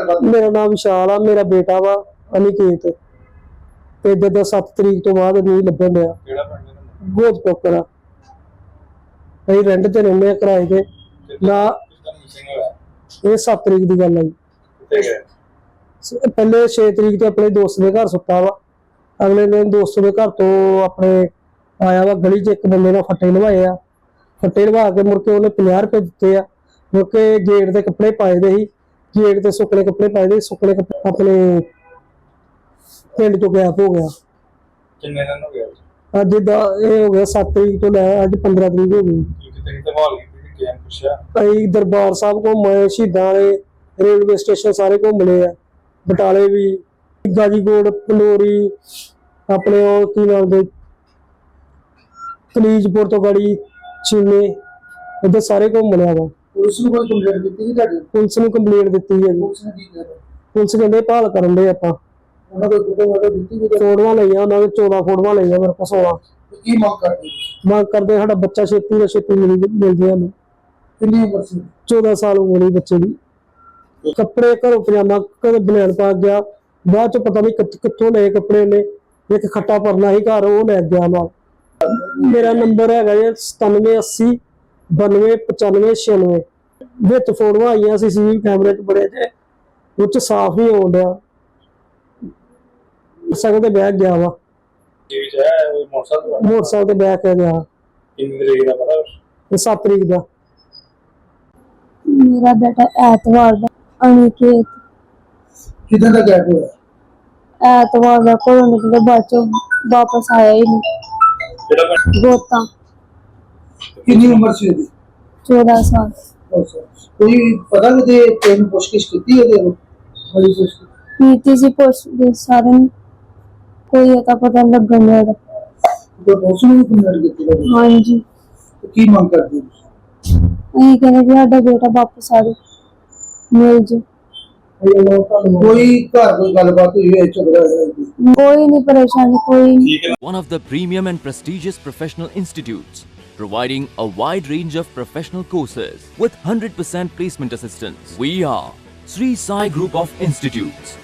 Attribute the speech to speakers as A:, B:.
A: ਗੱਲਬਾत?
B: ਮੇਰਾ ਨਾਮ ਵਿਸ਼ਾਲ ਆ, ਮੇਰਾ ਬੇਟਾ ਵਾ ਅਨਿਕੇਤ ਤੇ ਜਦੋਂ 7 ਤਰੀਕ ਤੋਂ ਬਾਅਦ ਨਹੀਂ ਲੱਭਣ ਡਿਆ।
A: ਕਿਹੜਾ ਪਿੰਡ ਹੈ?
B: ਬਹੁਤ ਪੋਕਰਾ ਅਸੀਂ ਰੈਂਟ ਤੇ ਰਹਿੰਦੇ ਆ ਕਿਰਾਏ ਤੇ ਨਾ। ਇਹ 7 ਤਰੀਕ ਦੀ ਗੱਲ ਆ ਜੀ।
A: ਕਿੱਥੇ ਗਏ?
B: ਪਹਿਲੇ 6 ਤਰੀਕ ਤੇ ਆਪਣੇ ਦੋਸਤ ਦੇ ਘਰ ਸੁੱਤਾ ਵਾ। ਅਗਲੇ ਦਿਨ ਦੋਸਤ ਦੇ ਘਰ ਤੋਂ ਆਪਣੇ ਆਇਆ ਵਾ, ਗਲੀ 'ਚ ਇੱਕ ਬੰਦੇ ਨਾਲ ਫੱਟੇ ਲਵਾਏ ਆ। ਫੱਟੇ ਲਵਾ ਕੇ ਮੁੜ ਕੇ ਉਹਨੇ 50 ਰੁਪਏ ਦਿੱਤੇ ਆ। ਮੁੜ ਕੇ ਗੇਟ ਦੇ ਕੱਪੜੇ ਪਾਏ ਦੇ ਸੀ, ਗੇਟ ਤੇ ਸੁੱਕਣੇ ਕੱਪੜੇ ਪਾਏ ਦੇ, ਸੁੱਕਣੇ ਕੱਪੜੇ ਆਪਣੇ ਪਿੰਡ ਤੋਂ ਗਾਇਬ ਹੋ ਗਿਆ।
A: ਕਿੰਨੇ ਦਿਨ ਹੋ ਗਏ?
B: ਅੱਜ ਦਾ ਇਹ ਹੋ ਗਿਆ 7 ਤਰੀਕ ਤੋਂ ਲੈ ਅੱਜ 15 ਤਰੀਕ ਹੋ ਗਈ।
A: ਕਿਤੇ ਸੰਭਾਲ ਕੀਤੀ ਕਿ ਕਿਹਨ ਪੁੱਛਿਆ?
B: ਅਸੀਂ ਦਰਬਾਰ ਸਾਹਿਬ ਘੁੰਮੇ, ਸ਼ਹੀਦਾਂ ਵਾਲੇ ਰੇਲਵੇ ਸਟੇਸ਼ਨ ਸਾਰੇ ਘੁੰਮ ਲਏ ਆ, ਬਟਾਲੇ ਵੀ, ਗਾਜੀਕੋਟ, ਪੰਡੋਰੀ, ਆਪਣੇ ਉਹ ਕੀ ਨਾਮ ਦੇ ਕਲੀਜਪੁਰ ਤੋਂ ਗੜੀ ਚੀਨੇ, ਇੱਧਰ ਸਾਰੇ ਘੁੰਮ ਲਿਆ ਵਾ।
A: ਪੁਲਿਸ ਨੂੰ ਕੋਈ ਕੰਪਲੇਂਟ ਦਿੱਤੀ ਸੀ ਤੁਹਾਡੀ?
B: ਪੁਲਿਸ ਨੂੰ ਕੰਪਲੇਂਟ ਦਿੱਤੀ ਹੈ ਜੀ।
A: ਪੁਲਿਸ ਨੇ ਕੀ ਕਿਹਾ?
B: ਪੁਲਿਸ ਕਹਿੰਦੇ ਭਾਲ ਕਰਨ ਦੇ ਆਪਾਂ।
A: ਉਹਨਾਂ ਕੋਈ ਫੋਟੋ ਦਿੱਤੀ ਕਿ
B: ਫੋਟੋਆਂ ਲਈਆਂ ਉਹਨਾਂ ਨੇ, 14 ਫੋਟੋਆਂ ਲਈਆਂ ਮੇਰੇ ਕੋਲ 16।
A: ਕੀ ਮੰਗ ਕਰਦੇ?
B: ਮੰਗ ਕਰਦੇ ਸਾਡਾ ਬੱਚਾ ਛੇਤੀ ਤੋਂ ਛੇਤੀ ਮਿਲ ਜਾਏ ਸਾਨੂੰ।
A: ਕਿੰਨੀ ਉਮਰ ਸੀ?
B: 14 ਸਾਲ ਉਮਰ ਹੈ ਬੱਚੇ ਦੀ। ਕੱਪੜੇ ਘਰੋਂ ਪਜਾਮਾ ਕਦੇ ਬਨੈਣ ਪਾ ਗਿਆ, ਬਾਅਦ ਚ ਪਤਾ ਨਹੀਂ ਕਿੱਥੋਂ ਲਏ ਕੱਪੜੇ ਨੇ। ਇੱਕ ਖੱਟਾ ਪਰਨਾ ਸੀ ਘਰ, ਉਹ ਲੈ ਗਿਆ ਨਾਲ। ਮੇਰਾ ਨੰਬਰ ਹੈਗਾ ਜੀ 9780 92 95 96। ਵਿੱਚ ਫੋਟੋਆਂ ਆਈਆਂ ਸੀ ਕੈਮਰੇ 'ਚ ਬੜੇ ਜੇ, ਉਹ 'ਚ ਸਾਫ਼ ਨਹੀਂ ਆਉਣ ਡਿਆ। ਸਗੋਂ ਤੇ ਬੈਗ ਗਿਆ ਵਾ, ਮੋਟਰਸਾਈਕਲ ਤੇ ਬੈਗ ਕੇ ਗਿਆ।
A: ਕਿੰਨੀ ਤਰੀਕ ਦਾ ਪਤਾ?
B: 7 ਤਰੀਕ ਦਾ।
C: मेरा बेटा ऐतवार दा अनिकेत
A: ਕਿਦਾਂ ਦਾ ਗੈਪ ਹੋਇਆ?
C: ऐतवार दा घरों निकले, बाद चों वापस आया ही नहीं।
A: ਕਿਹੜਾ ਪਿੰਡ?
C: गोता
A: ਕਿੰਨੀ ਉਮਰ ਸੀ ਉਹਦੀ?
C: 14 साल।
A: ਕੋਈ ਪਤਾ ਨਹੀਂ ਤੈਨੂੰ ਪੁੱਛਗਿੱਛ ਕੀਤੀ ਉਹਦੇ ਨੂੰ? ਬੜੀ ਪੁੱਛ
C: नीति सी पुछ सारे कोई अता पता लगन नहीं लगा।
A: ਤੇ ਪੁਲਿਸ ਨੂੰ ਵੀ ਕੰਪਲੇਂਟ ਕੀਤੀ?
C: हाँ जी,
A: ਕੀ ਮੰਗ ਕਰਦੇ ਹੋ?
C: अं कहने भी साडा बेटा वापस आ जाए, मिल जाए।
A: ਕੋਈ ਘਰ ਕੋਈ ਗੱਲਬਾਤ ਹੋਈ ਹੈ ਝਗੜਾ ਹੋਇਆ?
C: कोई नहीं परेशानी, कोई नहीं।
D: One of the premium and prestigious professional institutes, providing a wide range of professional courses with 100% placement assistance. We are Sri Sai Group of Institutes.